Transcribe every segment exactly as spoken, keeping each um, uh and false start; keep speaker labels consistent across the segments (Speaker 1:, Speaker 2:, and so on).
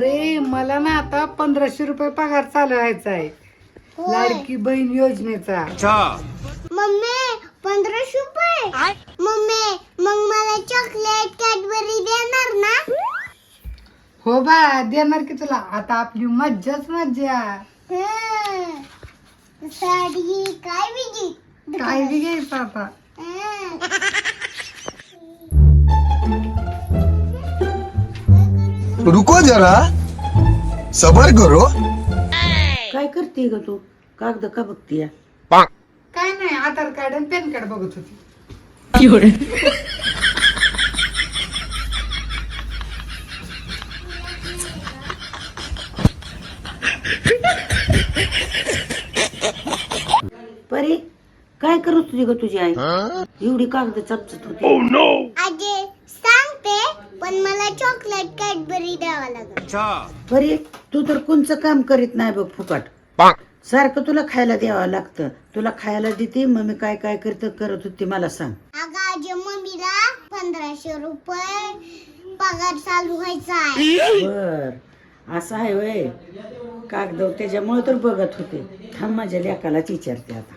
Speaker 1: पोरे मला ना आता पंधराशे रुपये पगार चालवायचा आहे लाडकी बहीण योजनेचा.
Speaker 2: मम्मी पंधराशे रुपये मम्मी मग मला चॉकलेट कॅडबरी देणार ना?
Speaker 1: हो बा देणार की तुला. आता आपली मज्जाच मज्जा.
Speaker 2: हं. साडी काय बिजी
Speaker 1: काय बी घ्यायचं आता.
Speaker 3: रुको जरा सबर करो.
Speaker 4: काय करते ग तू? कागद का बघतीय?
Speaker 1: काय नाही आधार कार्ड आणि पॅन कार्ड बघत होती.
Speaker 4: परी काय करत तुझी ग तुझी आई? एवढी कागद चमचत होती.
Speaker 2: आजे सांगते पण मला चॉकलेट कॅडबरी द्यावा लागेल.
Speaker 4: परी तू तर कोणचं काम करीत नाही बघ फुकट. सारखं तुला खायला द्यावं लागतं. तुला खायला देते मम्मी काय काय करत करत होती मला सांग.
Speaker 2: अगं आजी मम्मीला पंधराशे रुपये पगार चालू व्हायचा आहे.
Speaker 4: बर असं आहे वय कागद त्याच्यामुळे तर बघत होते. थांब माझ्या लेकालाच विचारते आता.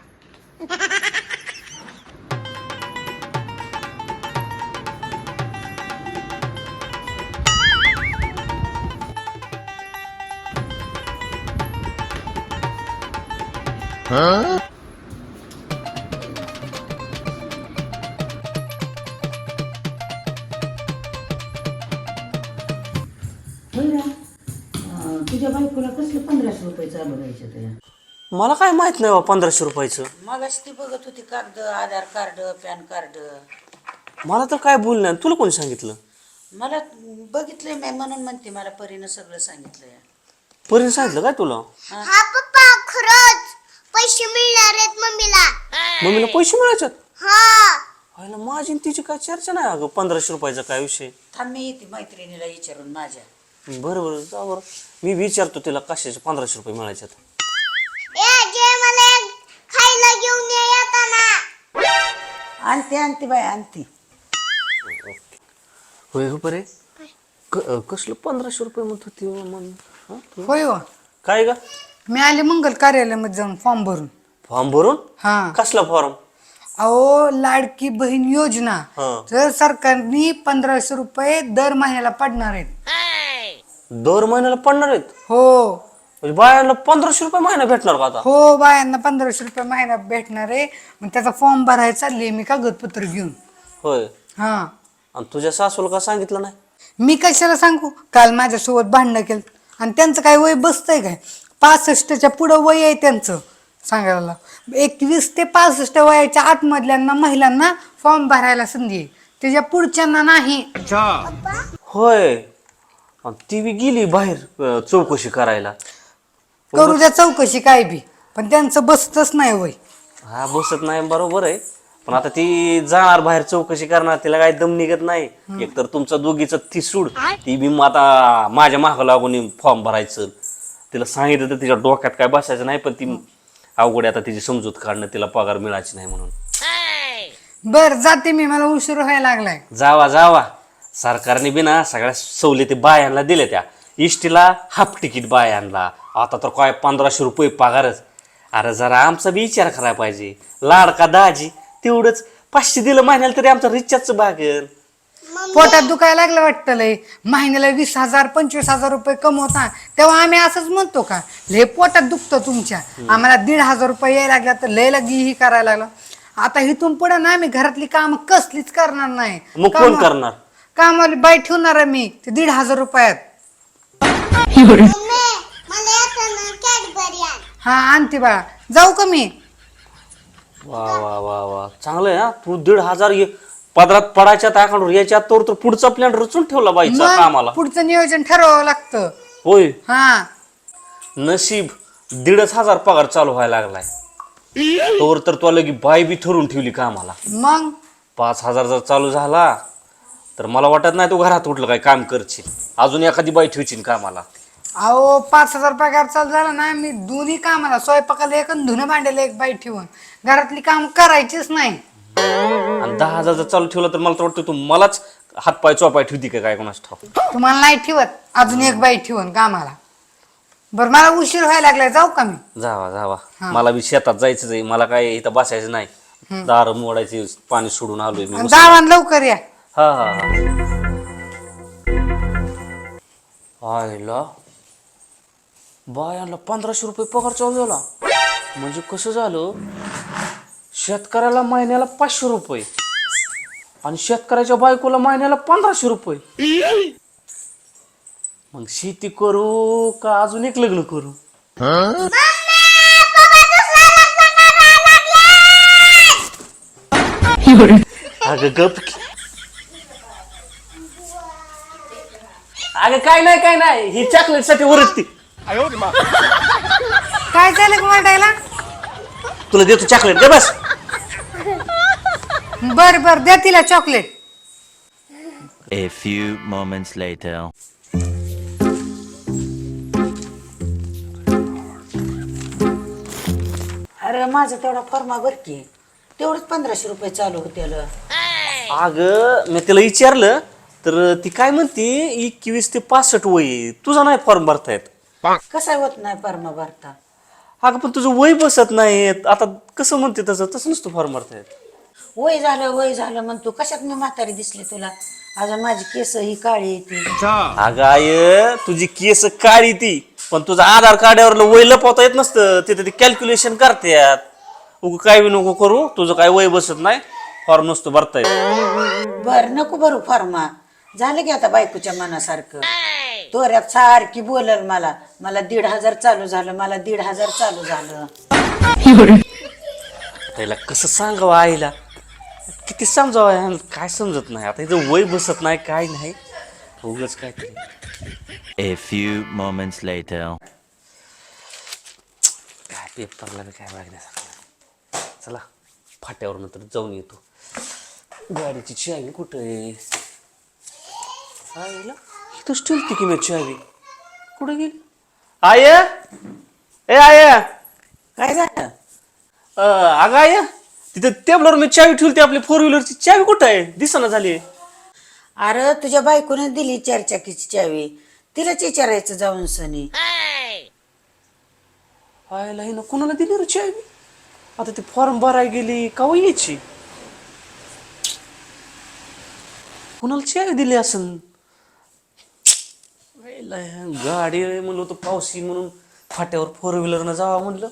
Speaker 4: तुझ्या बायकोला कसले पंधराशे रुपये चालू राहायचे तुझ्या?
Speaker 5: मला काय माहित नाही बा पंधराशे रुपयाचं.
Speaker 4: मगाशी ती बघत होती कागद आधार कार्ड पॅन कार्ड.
Speaker 5: मला तर काय बोल नाही. तुला कोणी सांगितलं?
Speaker 4: मला बघितलंय मी म्हणून म्हणते मला परीनं सगळं सांगितलंय.
Speaker 5: परीने सांगितलं काय तुला?
Speaker 2: हा पप्पा खरंच पैसे मिळणार आहेत मम्मीला.
Speaker 5: मम्मीला पैसे मिळायच्यात?
Speaker 2: हा
Speaker 5: व्हायला माझी आणि तिची काय चर्चा नाही अगं पंधराशे रुपयाचा काय विषय.
Speaker 4: थांब मी येते मैत्रिणीला विचारून माझ्या.
Speaker 5: बरं बरं जा बरं. मी विचारतो तिला कशाचे पंधराशे रुपये मिळायच्यात.
Speaker 2: ए आजी मला एक खायला घेऊन ये येताना.
Speaker 4: आणते आणते बाय आणते.
Speaker 5: होय हो परे क- कसलं पंधराशे रुपये म्हणत होती हो मम्मी? हं?
Speaker 1: होय हो
Speaker 5: काय ग?
Speaker 1: मी आले मंगल कार्यालयामध्ये जाऊन फॉर्म भरून.
Speaker 5: फॉर्म भरून?
Speaker 1: हा
Speaker 5: कसला फॉर्म?
Speaker 1: अहो लाडकी बहीण योजना
Speaker 5: हा.
Speaker 1: तर सरकारने पंधराशे रुपये दर महिन्याला पडणार आहेत.
Speaker 5: दर महिन्याला पडणार आहेत?
Speaker 1: हो
Speaker 5: म्हणजे बायांना पंधराशे रुपये महिना भेटणार का आता?
Speaker 1: हो बायांना पंधराशे रुपये महिना भेटणार आहे. मग त्याचा फॉर्म भरायला चालली मी कागदपत्र घेऊन.
Speaker 5: होय.
Speaker 1: हा
Speaker 5: आणि तुझ्या सासूला का सांगितलं नाही?
Speaker 1: मी कशाला सांगू. काल माझ्यासोबत भांडणं केलं आणि त्यांचं काय वय बसतंय काय? पासष्टच्या पुढं वय आहे त्यांचं सांगायला. एकवीस ते पासष्ट वयाच्या आतमधल्यांना महिलांना फॉर्म भरायला संधी आहे. त्याच्या पुढच्यांना नाही.
Speaker 5: होय. आणि ती बी गेली बाहेर अं, चौकशी करायला.
Speaker 1: करू द्या चौकशी काय बी पण त्यांचं बसतच नाही वय.
Speaker 5: हा बसत नाही बरोबर आहे. पण आता ती जाणार बाहेर चौकशी करणार तिला काही दम निघत नाही. एकतर तुमचा दोघीचं ती सूड ती बी मग आता माझ्या माग लागून फॉर्म भरायचं. तिला सांगितलं तर तिच्या डोक्यात काय बसायचं नाही. पण ती अवघड आता तिची समजूत काढणं तिला पगार मिळायची नाही म्हणून.
Speaker 1: बर जाते मी मला उशीर व्हायला लागलाय.
Speaker 5: जावा जावा. सरकारने बी ना सगळ्या सवलती बायांना दिल्या. त्या इष्टीला हाफ तिकीट बायांना आता तर काय पंधराशे रुपये पगारच. अरे जरा आमचा बी विचार करायला पाहिजे. लाडका दाजी तेवढंच पाचशे दिलं महिन्याला तरी आमचा रिचार्ज भागेल.
Speaker 1: पोटात दुखायला लागलं वाटतं लय. महिन्याला वीस हजार पंचवीस हजार रुपये कमवता तेव्हा आम्ही असंच म्हणतो का लय पोटात दुखतं तुमच्या. आम्हाला दीड हजार रुपये यायला लागला तर लय लगी ही करायला लागला. आता इथून पुढे ना आम्ही घरातली काम कसलीच करणार नाही.
Speaker 5: मग कोण करणार?
Speaker 1: कामाला बाई ठेवणार आहे मी ते दीड हजार रुपयात.
Speaker 2: मम्मी मला येताना कॅडबरी आण.
Speaker 1: हा आणते बाळा. जाऊ का मी?
Speaker 5: वा वा वा वा चांगलं आहे. हा तू दीड हजार ये पदरात पडायच्या अकाउंटवर याच्या तोर तर पुढचा प्लॅन रचून ठेवला बाईचा
Speaker 1: मग
Speaker 5: कामाला.
Speaker 1: पुढचं नियोजन ठरवावं लागतं.
Speaker 5: होय.
Speaker 1: हा
Speaker 5: नशीब दीडच हजार पगार चालू व्हायला लागलाय. तोवर तर तुला लगी बाई बी ठरवून ठेवली कामाला.
Speaker 1: मग
Speaker 5: पाच हजार जर चालू झाला तर मला वाटत नाही तू घरात उठलं काय काम करशील. अजून एखादी बाई ठेवशील कामाला.
Speaker 1: अहो पाच हजार पगार चालू झाला ना मी दोन्ही कामाला स्वयंपाकाला एक आणि धुणं भांड्याला एक बाई ठेवून घरातली काम करायचीच नाही.
Speaker 5: आणि दहा हजार जर चालू ठेवलं तर मला तर वाटतं तू मलाच हातपाय चोपाय ठेवती का काय कोणाच ठाव.
Speaker 1: तुम्हाला नाही ठेवत, अजून एक बाई ठेवून कामाला. बरं मला उशीर व्हायला लागलाय, जाऊ का मी?
Speaker 5: जावा जावा, मला बी शेतात जायचंच आहे. मला काय इथं बसायचं नाही. दार मोडायचे, पाणी सोडून आलोय मी.
Speaker 1: जावा आणि लवकर या.
Speaker 5: हा हा हा. आयला बायाला पंधराशे रुपये पगार चालू झाला. म्हणजे कसं झालं, शेतकऱ्याला महिन्याला पाचशे रुपये आणि शेतकऱ्याच्या बायकोला महिन्याला पंधराशे रुपये. मग शेती करू का अजून एक लग्न करू? अगं गप की. अगं काय नाही काय नाही, ही चॉकलेट साठी ओरडती.
Speaker 1: काय झालं वाटायला?
Speaker 5: तुला देतो चॉकलेट, दे बस.
Speaker 1: बर बर, द्या तिला chocolate.
Speaker 6: A few moments later.
Speaker 4: अरे माझं तेवढा फॉर्मा भर की, तेवढंच पंधराशे रुपये चालू होते.
Speaker 5: अगं मी तिला विचारलं तर ती काय म्हणते, एकवीस ते पासष्ट वय आहे. तुझा नाही फॉर्म भरतायत.
Speaker 4: कसा होत नाही फॉर्मा भरता?
Speaker 5: अगं पण तुझं वय बसत नाही. आता कसं म्हणते तसं तसं नसतं फॉर्म भरतायत.
Speaker 4: वय झालं वय झालं म्हणतो. कशात मी म्हातारी दिसली तुला? अजून माझी केस ही काळी येते.
Speaker 5: अगं आय, तुझी केस काळी ती, पण तुझं आधार कार्डावर वय लपवता येत नसतं. तिथे ते कॅल्क्युलेशन करतात. उग काय बी नको करू, तुझं काय वय बसत नाही, फॉर्म नसतो भरता येत.
Speaker 4: बर नको भरू फॉर्मा. झालं की आता बायकोच्या मनासारखं. तोऱ्यात सारखी बोलल मला, मला दीड हजार चालू झालं, मला दीड हजार चालू झालं.
Speaker 5: त्याला कसं सांगावं आईला, किती समजावं, काय समजत नाही. आता इथं वय बसत नाही, काय नाही, उगाच काय तरी.
Speaker 6: A few moments later.
Speaker 5: काय पेपरला बी काय बघण्यासारखं. चला फाट्यावर नंतर जाऊन येतो. गाडीची चावी कुठं आहे? आईला इथंच ठेवती की मी चावी. कुठं गेली आय? ए आय,
Speaker 4: काय झालं?
Speaker 5: अगं आय, तिथं टेबलवर मी चावी ठेवली, आपली फोर व्हीलरची चावी कुठं आहे? दिसना झाली.
Speaker 4: अरे तुझ्या बायकोने दिली चारचाकीची चावी, तिलाच विचारायचं जाऊन सनी.
Speaker 5: आयला हिनं कुणाला दिली रे चावी? आता ती फॉर्म भरायला गेली का यायची? कुणाला चावी दिली असेल? गाडी म्हणलं होतं पावसी म्हणून फाट्यावर फोर व्हीलरनं जावा म्हणलं.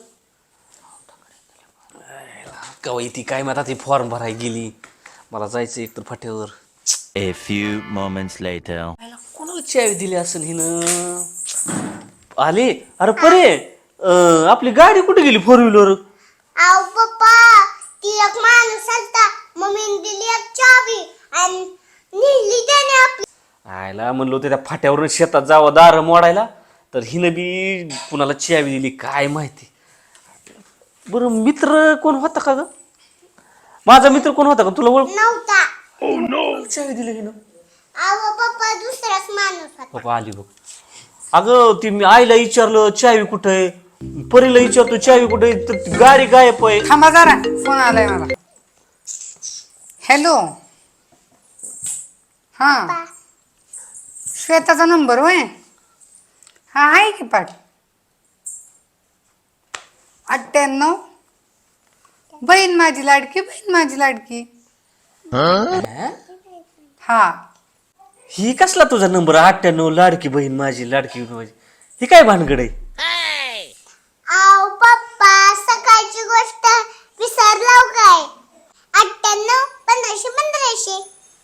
Speaker 5: कवा ती काय आता ती फॉर्म भरायला गेली. मला जायचं एकतर फाट्यावर.
Speaker 6: A few moments later.
Speaker 5: कोणाला चावी दिली असेल हिनं? आले अरे परे, अं, आपली गाडी कुठे गेली फोर व्हीलर?
Speaker 2: आव पप्पा, ती एक माणूस आलता, मम्मीने दिली एक चावी आणि नेली त्याने आपली.
Speaker 5: आयला म्हणलो होतं त्या फाट्यावरून शेतात जावं दार मोडायला, तर हिनं बी कुणाला चावी दिली काय माहिती. बरं मित्र कोण होता का ग? माझा मित्र कोण होता का तुला ओळख?
Speaker 2: नव्हता.
Speaker 5: चावी दिली हिनं.
Speaker 2: आव पप्पा, दुसराच माणूस होता.
Speaker 5: बाबा आली बघ. अगं ती मी आईला विचारलं चावी कुठं आहे, परीला विचारतो चावी कुठे आहे, तर ती गाडी गायब आहे.
Speaker 1: थांबा जरा, फोन आलाय मला. हॅलो, हा श्वेताचा नंबर होय? हा आहे की पाठ. अठ्ठ्याण्णव, बहीण माझी लाडकी, बहीण माझी लाडकी. हा
Speaker 5: ही कसला तुझा नंबर? अठ्ठ्याण्णव, लाडकी बहीण माझी, लाडकी बहीण माझी, ही काय भानगड आहे?
Speaker 2: आव पप्पा, सकाळची गोष्ट विसरलाव काय? अठ्ठ्याण्णव पंधराशे पंधराशे.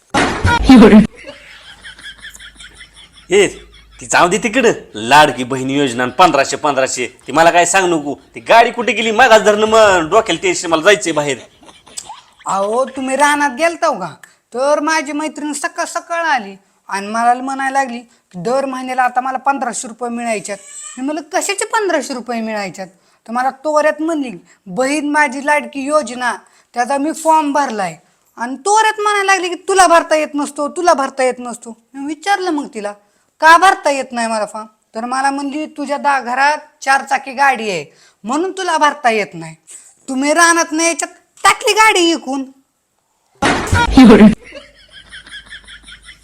Speaker 5: हे ती जाऊ दे तिकडं. लाडकी बहीण योजना आणि पंधराशे पंधराशे ती मला काय सांग नको. ती गाडी कुठे गेली मागास धरणं, मग डोक्याला टेन्शन, मला जायचंय बाहेर.
Speaker 1: अहो तुम्ही रानात गेलताव का? तर माझी मैत्रीण सकाळ सकाळ आली आणि मला म्हणायला लागली की दर महिन्याला आता मला पंधराशे रुपये मिळायच्यात. मी म्हणलं कशाचे पंधराशे रुपये मिळायच्यात? तर मला तोऱ्यात म्हणली बहीण माझी लाडकी योजना, त्याचा मी फॉर्म भरलाय. आणि तोऱ्यात म्हणायला लागली की तुला भरता येत नसतो, तुला भरता येत नसतो. मी विचारलं मग तिला का भरता येत नाही मला फॉर्म? तर मला म्हणली तुझ्या दा घरात चार चाकी गाडी आहे म्हणून तुला भरता येत नाही. तुम्ही रानात नाही याच्यात टाकली गाडी इकून.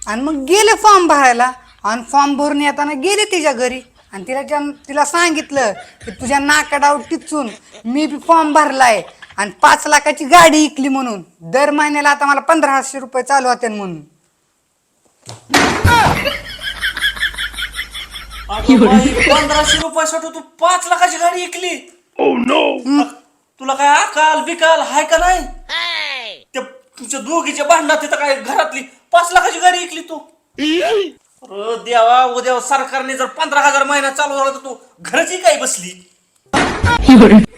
Speaker 1: आणि मग गेले फॉर्म भरायला आणि फॉर्म भरून येताना गेले तिच्या घरी आणि तिला ज्या- तिला सांगितलं की तुझ्या नाकाडावर टिचून मी बी फॉर्म भरलाय आणि पाच लाखाची गाडी इकली म्हणून दर महिन्याला आता मला पंधराशे रुपये चालू होते म्हणून.
Speaker 5: अगं बाई, पंधराशे रुपयासाठी तू पाच लाखाची गाडी ऐकली. तुला काय अकाल बिकाल हाय का नाही? त्या तुमच्या दोघीच्या भांडणात तिथं काय घरातली पाच लाखाची गाडी ऐकली तू. अरे देवा, उद्या सरकारने जर पंधरा हजार महिना चालू झाला तर तू घराची काय बसली.